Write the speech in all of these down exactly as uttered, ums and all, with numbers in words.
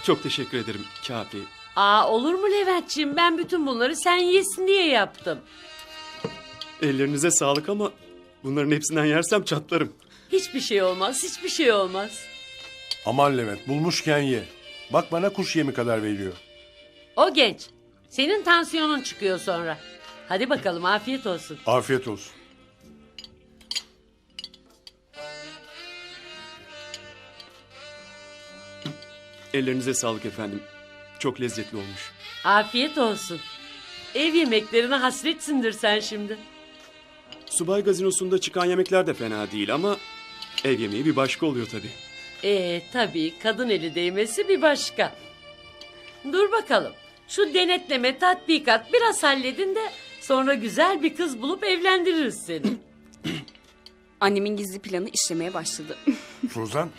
Çok teşekkür ederim kafi. Aa, olur mu Leventciğim? Ben bütün bunları sen yesin diye yaptım. Ellerinize sağlık ama bunların hepsinden yersem çatlarım. Hiçbir şey olmaz, hiçbir şey olmaz. Aman Levent, bulmuşken ye. Bak bana kuş yemi kadar veriyor. O genç. Senin tansiyonun çıkıyor sonra. Hadi bakalım, afiyet olsun. Afiyet olsun. Ellerinize sağlık efendim. Çok lezzetli olmuş. Afiyet olsun. Ev yemeklerine hasretsindir sen şimdi. Subay gazinosunda çıkan yemekler de fena değil ama ev yemeği bir başka oluyor tabii. Ee tabii, kadın eli değmesi bir başka. Dur bakalım. Şu denetleme, tatbikat biraz halledin de sonra güzel bir kız bulup evlendiririz seni. Annemin gizli planı işlemeye başladı. Suzan,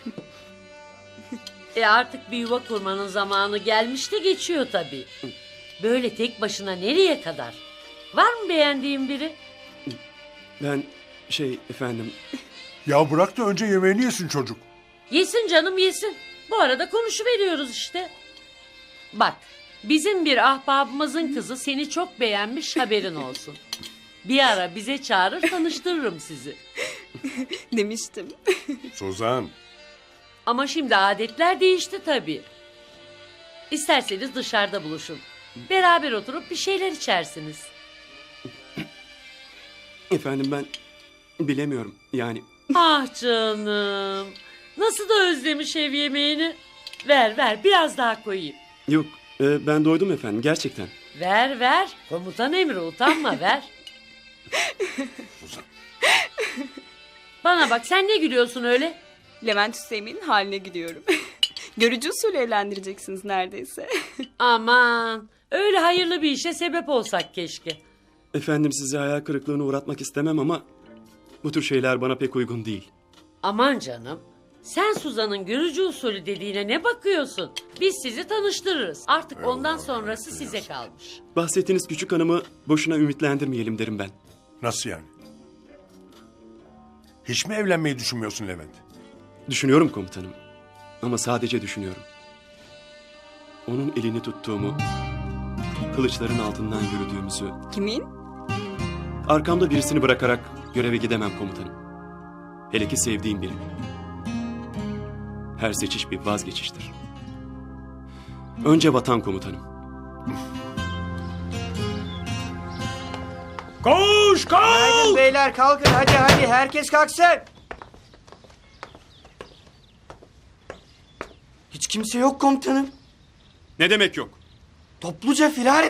E artık bir yuva kurmanın zamanı gelmiş de geçiyor tabii. Böyle tek başına nereye kadar? Var mı beğendiğin biri? Ben şey efendim... ya bırak da önce yemeğini yesin çocuk. Yesin canım yesin. Bu arada konuşuveriyoruz işte. Bak, bizim bir ahbabımızın kızı seni çok beğenmiş, haberin olsun. Bir ara bize çağırır, tanıştırırım sizi. Demiştim. Suzan, Ama şimdi adetler değişti tabii. İsterseniz dışarıda buluşun. Beraber oturup bir şeyler içersiniz. Efendim ben bilemiyorum yani. Ah canım. Nasıl da özlemiş ev yemeğini. Ver ver, biraz daha koyayım. Yok e, ben doydum efendim gerçekten. Ver ver. Komutan emri, utanma, ver. Suzan. Bana bak, sen ne gülüyorsun öyle? Levent Hüseyin'in haline gidiyorum. Görücü usulü evlendireceksiniz neredeyse. Aman, öyle hayırlı bir işe sebep olsak keşke. Efendim sizi hayal kırıklığına uğratmak istemem ama bu tür şeyler bana pek uygun değil. Aman canım. Sen Suzan'ın görücü usulü dediğine ne bakıyorsun? Biz sizi tanıştırırız. Artık ondan sonrası size kalmış. Bahsettiğiniz küçük hanımı boşuna ümitlendirmeyelim derim ben. Nasıl yani? Hiç mi evlenmeyi düşünmüyorsun Levent? Düşünüyorum komutanım. Ama sadece düşünüyorum. Onun elini tuttuğumu, kılıçların altından yürüdüğümüzü, Kimin? arkamda birisini bırakarak göreve gidemem komutanım. Hele ki sevdiğim birini. Her seçiş bir vazgeçiştir. Önce vatan komutanım. Koş koş! Haydi beyler kalkın, hadi hadi herkes kalksın. Hiç kimse yok komutanım. Ne demek yok? Topluca firar